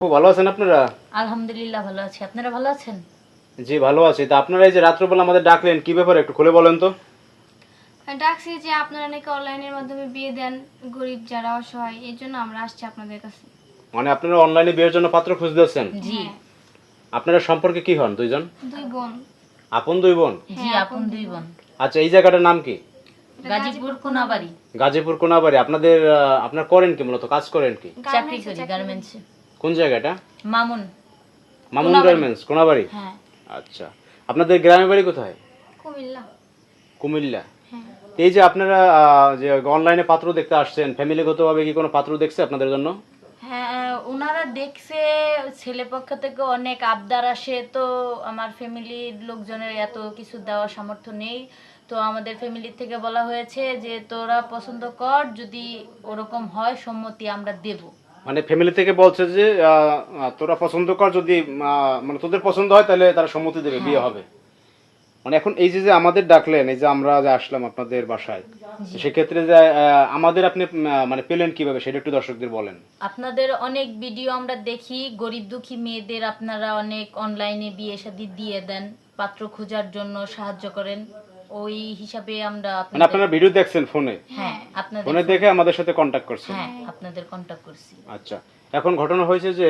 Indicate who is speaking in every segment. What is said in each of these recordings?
Speaker 1: ভালো আছেন আপনারা?
Speaker 2: আলহামদুলিল্লাহ ভালো আছি। আপনারা ভালো আছেন?
Speaker 1: জি ভালো আছি। তা আপনারা এই যে রাত্রবেলা আমাদের ডাকলেন কি ব্যাপারে একটু খুলে বলেন তো?
Speaker 3: ডাকছি যে আপনারা নাকি অনলাইনের মাধ্যমে বিয়ে দেন গরিব যারা অসহায়, এই জন্য আমরা আসছি আপনাদের কাছে।
Speaker 1: মানে আপনারা অনলাইনে বিয়ের জন্য পাত্র খুঁজতেছেন?
Speaker 2: জি।
Speaker 3: হ্যাঁ,
Speaker 1: আপনারা সম্পর্কে কি হন দুইজন?
Speaker 3: দুই বোন।
Speaker 1: আপন দুই বোন?
Speaker 2: জি,
Speaker 3: হ্যাঁ,
Speaker 2: আপন দুই বোন।
Speaker 1: আচ্ছা, এই জায়গাটার নাম কি?
Speaker 2: গাজীপুর কোনাবাড়ি।
Speaker 1: গাজীপুর কোনাবাড়ি। আপনাদের আপনার করেন কি, মূলত কাজ করেন কি?
Speaker 2: চাকরি করি গার্মেন্টসে।
Speaker 1: কোন জায়গাটা?
Speaker 2: মামুন।
Speaker 1: মামুন
Speaker 2: কোনাবাড়ি।
Speaker 1: গার্মেন্টস, কোনাবাড়ি।
Speaker 2: হ্যাঁ।
Speaker 1: আচ্ছা, আপনাদের গ্রামের বাড়ি কোথায়?
Speaker 3: কুমিল্লা।
Speaker 1: কুমিল্লা।
Speaker 3: হ্যাঁ,
Speaker 1: এই যে আপনারা যে অনলাইনে পাত্র দেখতে আসছেন, ফ্যামিলিগতভাবে কি কোনো পাত্র দেখছে আপনাদের জন্য?
Speaker 2: হ্যাঁ, ওনারা দেখছে, ছেলে পক্ষ থেকে অনেক আবদার আসে, তো আমার ফ্যামিলির লোকজনের এত কিছু দেওয়ার সামর্থ্য নেই। তো আমাদের ফ্যামিলি থেকে বলা হয়েছে যে তোরা পছন্দ কর, যদি ওরকম হয় সম্মতি আমরা দেব।
Speaker 1: মানে ফ্যামিলি থেকে বলছে যে তোরা পছন্দ কর, যদি মানে তোদের পছন্দ হয় তাহলে তারা সম্মতি দেবে, বিয়ে হবে। মানে এখন এই যে যে আমাদের ডাকলেন, এই যে আমরা যে আসলাম আপনাদের বাসায়, সেক্ষেত্রে যে আমাদের আপনি মানে পেলেন কিভাবে সেটা একটু দর্শকদের বলেন।
Speaker 2: আপনাদের অনেক ভিডিও আমরা দেখি, গরিব দুঃখী মেয়েদের আপনারা অনেক অনলাইনে বিয়ে শাদী দিয়ে দেন, পাত্র খোঁজার জন্য সাহায্য করেন, ওই হিসাবে আমরা
Speaker 1: মানে আপনারা ভিডিও দেখছেন ফোনে?
Speaker 2: হ্যাঁ, আপনাদের
Speaker 1: ফোনে দেখে আমাদের সাথে কন্ট্যাক্ট করছেন?
Speaker 2: হ্যাঁ, আপনাদের কন্টাক্ট করছি।
Speaker 1: আচ্ছা, এখন ঘটনা হয়েছে যে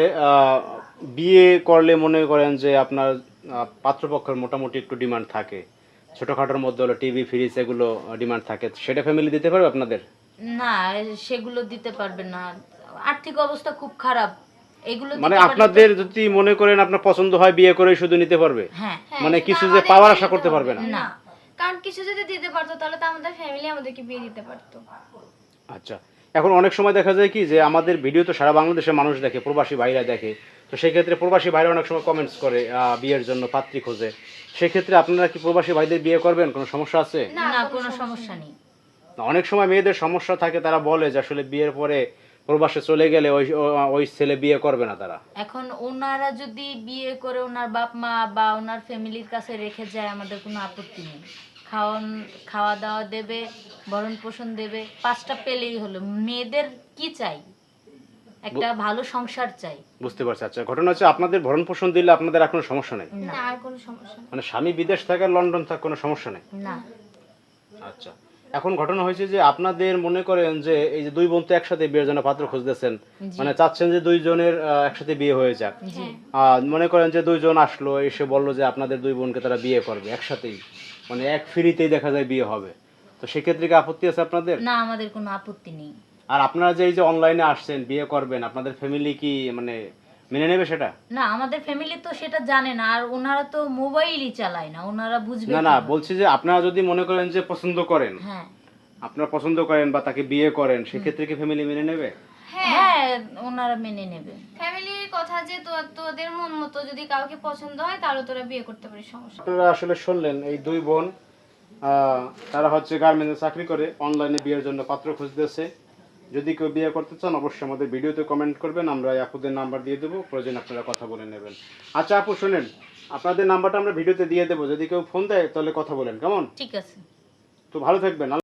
Speaker 1: বিয়ে করলে মনে করেন যে আপনার পাত্রপক্ষের মোটামুটি একটু ডিমান্ড থাকে, ছোটখাটোর মধ্যে হলো টিভি ফ্রিজ এগুলো ডিমান্ড থাকে, সেটা ফ্যামিলি দিতে পারবে আপনাদের?
Speaker 2: না, সেগুলো দিতে পারবে না, আর্থিক অবস্থা খুব খারাপ। এগুলো
Speaker 1: মানে
Speaker 2: দিতে পারলে
Speaker 1: আপনাদের যদি মনে করেন আপনার পছন্দ হয়, বিয়ে করে শুধু নিতে পারবে?
Speaker 2: হ্যাঁ,
Speaker 1: মানে
Speaker 3: সেটা
Speaker 1: কিছু যে
Speaker 3: আমাদেরকে
Speaker 1: পাওয়ার আশা
Speaker 3: দিতে
Speaker 1: করতে
Speaker 3: হবে।
Speaker 1: পারবে না?
Speaker 2: না।
Speaker 3: কারণ কিছু যদি দিতে পারতো তাহলে তো আমাদের ফ্যামিলি আমাদেরকে বিয়ে দিতে পারতো।
Speaker 1: আচ্ছা, এখন অনেক সময় দেখা যায় কি যে আমাদের ভিডিও তো সারা বাংলাদেশের মানুষ দেখে, প্রবাসী ভাইরা দেখে, তো সেই ক্ষেত্রে প্রবাসী ভাইরা অনেক সময় কমেন্টস করে বিয়ের জন্য পাত্রী খোঁজে। সেক্ষেত্রে আপনারা কি প্রবাসী ভাইদের বিয়ে করবেন? কোনো সমস্যা আছে?
Speaker 2: না, কোনো সমস্যা নেই।
Speaker 1: অনেক সময় মেয়েদের সমস্যা থাকে, তারা বলে যে আসলে বিয়ের পরে প্রবাসে চলে গেলে ওই ছেলে বিয়ে করবে না তারা।
Speaker 2: এখন ওনারা যদি বিয়ে করে ওনার বাপ মা বা ওনার ফ্যামিলির কাছে রেখে যায়, আমাদের কোনো আপত্তি নেই। খাওয়া দাওয়া দেবে, ভরণ পোষণ দেবে, 5টা পেলেই হলো। মেয়েদের কি চাই? একটা ভালো সংসার চাই।
Speaker 1: বুঝতে পারছি। আচ্ছা, ঘটনা হচ্ছে আপনাদের ভরণ পোষণ দিলে আপনাদের আর কোনো সমস্যা নেই?
Speaker 3: না, আর কোনো সমস্যা নেই।
Speaker 1: মানে স্বামী বিদেশ থাকে, লন্ডন থাকে, কোনো সমস্যা নেই?
Speaker 2: না।
Speaker 1: আচ্ছা, এখন ঘটনা হয়েছে যে আপনাদের মনে করেন যে এই যে দুই বোন তো একসাথে বিয়ের জন্য পাত্র খুঁজতেছেন, মানে চাচ্ছেন যে দুইজনের একসাথে বিয়ে হয়ে যাক।
Speaker 2: জি।
Speaker 1: মনে করেন যে দুইজন আসলো, এসে বললো যে আপনাদের দুই বোনকে তারা বিয়ে করবে একসাথেই, মানে এক ফ্রিতেই দেখা যায় বিয়ে হবে, তো সেক্ষেত্রে কি আপত্তি আছে আপনাদের?
Speaker 2: না, আমাদের কোনো আপত্তি নেই।
Speaker 1: আর আপনারা যে এই যে অনলাইনে আসছেন বিয়ে করবেন, আপনাদের ফ্যামিলি কি মানে মেনে নেবে সেটা?
Speaker 2: না, আমাদের ফ্যামিলি তো সেটা জানে না, আর ওনারা তো মোবাইলই চালায় না, ওনারা বুঝবে
Speaker 1: না না,
Speaker 2: কিভাবে?
Speaker 1: বলছি যে আপনারা যদি মনে করেন যে পছন্দ করেন,
Speaker 2: হ্যাঁ,
Speaker 1: আপনারা পছন্দ করেন বা তাকে বিয়ে করেন, সেক্ষেত্রে কি ফ্যামিলি মেনে নেবে?
Speaker 2: হ্যাঁ, ওনারা মেনে নেবে।
Speaker 3: ফ্যামিলির কথা যে তোদের মন মতো যদি কাউকে পছন্দ হয় তাহলে তোরা বিয়ে করতে পারিস, সমস্যা নেই।
Speaker 1: আপনারা আসলে শুনলেন এই দুই বোন, তারা হচ্ছে গার্মেন্টসে চাকরি করে, অনলাইনে বিয়ের জন্য পাত্র খুঁজতেছে। যদি কেউ বিয়ে করতে চান অবশ্যই আমাদের ভিডিওতে কমেন্ট করবেন, আমরা এই আপুদের নাম্বার দিয়ে দেবো, প্রয়োজন আপনারা কথা বলে নেবেন। আচ্ছা আপু শুনেন, আপনাদের নাম্বারটা আমরা ভিডিওতে দিয়ে দেবো, যদি কেউ ফোন দেয় তাহলে কথা বলেন, কেমন?
Speaker 2: ঠিক আছে।
Speaker 1: তো ভালো থাকবেন।